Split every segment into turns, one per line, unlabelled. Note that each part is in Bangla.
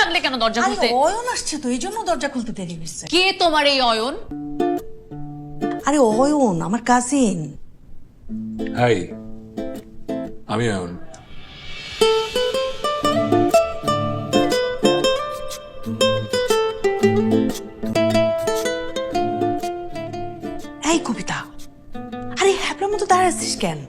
লাগলে কেন দরজা
আরে
খুলতে?
অয়ন আসছে তো, এই জন্য দরজা খুলতে দেরি হয়েছে।
কে তোমার এই অয়ন?
আরে অয়ন আমার কাজিন।
হাই, আমি অয়ন।
এই কবিতা, আরে হ্যাপলার মতো দাঁড়ায় আছিস কেন?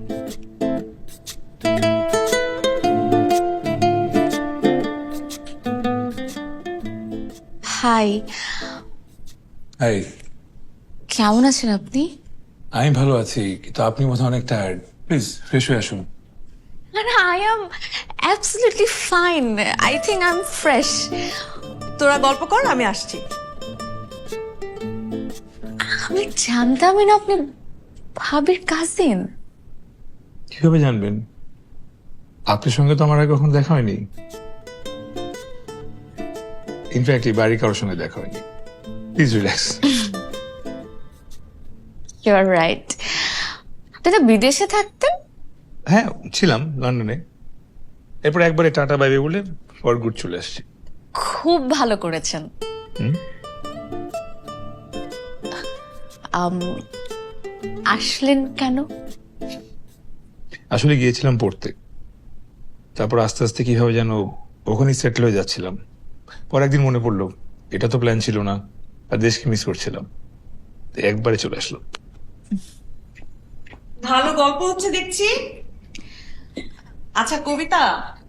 হাই,
হাই,
কেমন আছেন আপনি?
আমি ভালো আছি, কিন্তু আপনি বোধহয় অনেক টায়ার্ড। প্লিজ ফ্রেশ হয়ে আসুন।
না, I am absolutely fine. I think I am fresh.
তোরা গল্প কর, আমি আসছি।
আমি জানতামই না আপনি ভাবির কাজিন।
কিভাবে জানবেন? আপনার সঙ্গে তো আমার আগে কখনো দেখা হয়নি। ইনফ্যাক্ট এই বাড়ির কারোর সঙ্গে দেখা হয়নি। Please relax.
You are right. আপনি তো বিদেশে থাকতেন?
হ্যাঁ, ছিলাম লন্ডনে। এরপর একবারে টাটা বাইবে বলে ফর গুড চলে আসছি।
খুব ভালো করেছেন। আসলেন কেন?
আসলে গিয়েছিলাম পড়তে, তারপর আস্তে আস্তে কিভাবে যেন ওখানেই সেটেল হয়ে যাচ্ছিলাম। পর একদিন মনে পড়লো এটা তো প্ল্যান ছিল না, আর দেশকে মিস করছিলাম, তাই একবারে চলে আসলো।
ভালো গল্প হচ্ছে দেখছি। আচ্ছা কবিতা,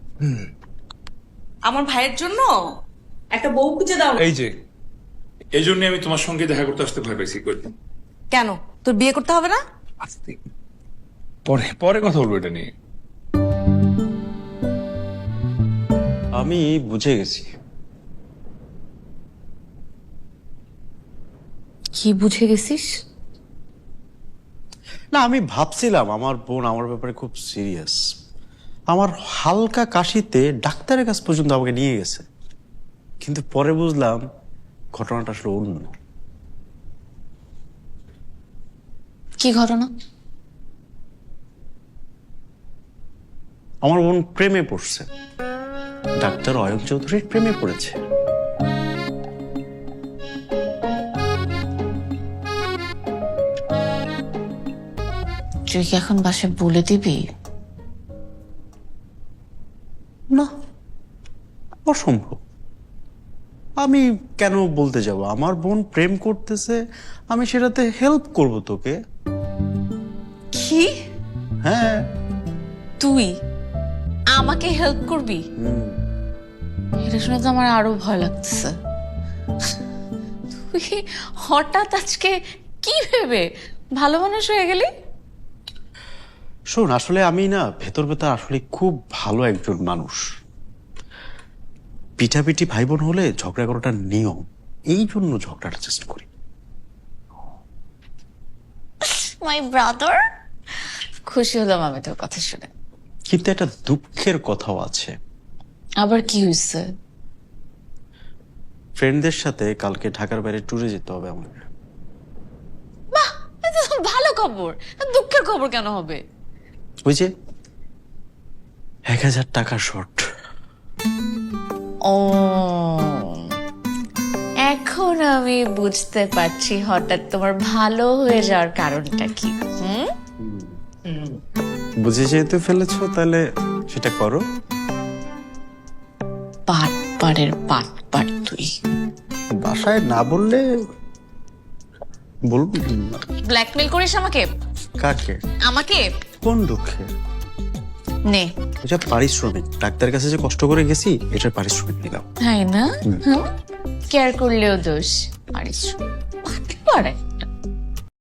আমার ভাইয়ের জন্য একটা বউ খুঁজে দাও।
এই যে এই জন্য আমি তোমার সঙ্গে দেখা করতে আসতে ভয় পাইছি।
কেন, তোর বিয়ে করতে হবে না?
আস্তে পরে পরে কথা বলবো এটা নিয়ে।
আমি বুঝে গেছি।
কি বুঝে গেছিস?
না, আমি ভাবছিলাম আমার বোন আমার ব্যাপারে খুব সিরিয়াস। আমার হালকা কাশিতে ডাক্তারের কাছ পর্যন্ত আমাকে নিয়ে গেছে, কিন্তু পরে বুঝলাম ঘটনাটা আসলে অন্য।
কি ঘটনা?
আমার বোন প্রেমে পড়ছে, ডাক্তার অয়ন চৌধুরীর প্রেমে পড়েছে।
তুই কি এখন বাসায় বলে দিবি?
না, অসম্ভব। আমি কেন বলতে যাব? আমার বোন প্রেম করতেছে, আমি সেটাতে হেল্প করব তোকে।
কি?
হ্যাঁ।
তুই আমাকে হেল্প করবি? এটা শুনে তো আমার আরো ভয় লাগতেছে। তুই হঠাৎ আজকে কি ভেবে ভালো মানুষ হয়ে গেলি?
শোন, আসলে আমি না ভেতর ভেতর আসলে খুব ভালো একজন মানুষ। পিঠাপিঠি ভাই বোন হলে ঝগড়া করাটা নিয়ম, এই জন্য ঝগড়াটা চেষ্টা করি।
মাই ব্রাদার, খুশি হলাম আমি তোর কথা শুনে।
কিন্তু একটা দুঃখের কথাও আছে।
আবার কি হয়েছে?
ফ্রেন্ডদের সাথে কালকে ঢাকার বাইরে ট্যুরে যেতে হবে আমার।
বাহ, এটা তো ভালো খবর। দুঃখের খবর কেন হবে?
ওই যে 1000 টাকা শর্ট।
ও, এখন আমি বুঝতে পারছি হঠাৎ তোমার ভালো হয়ে যাওয়ার কারণটা কি।
বুঝে যেহেতু ফেলেছো, তাহলে সেটা করো।
পাটপাড়ের পাটপাড় তুই।
বাসায় না বললে বলবো।
ব্ল্যাকমেল করিস আমাকে?
কাকে?
আমাকে?
কোন দুঃখে?
নে।
এটা পারিশ্রমিক, ডাক্তারের কাছে যে কষ্ট করে গেছি এটার পারিশ্রমিক নিলাম।
তাই না? কেয়ার করলেও দোষ। পারিস পাটপাড়ে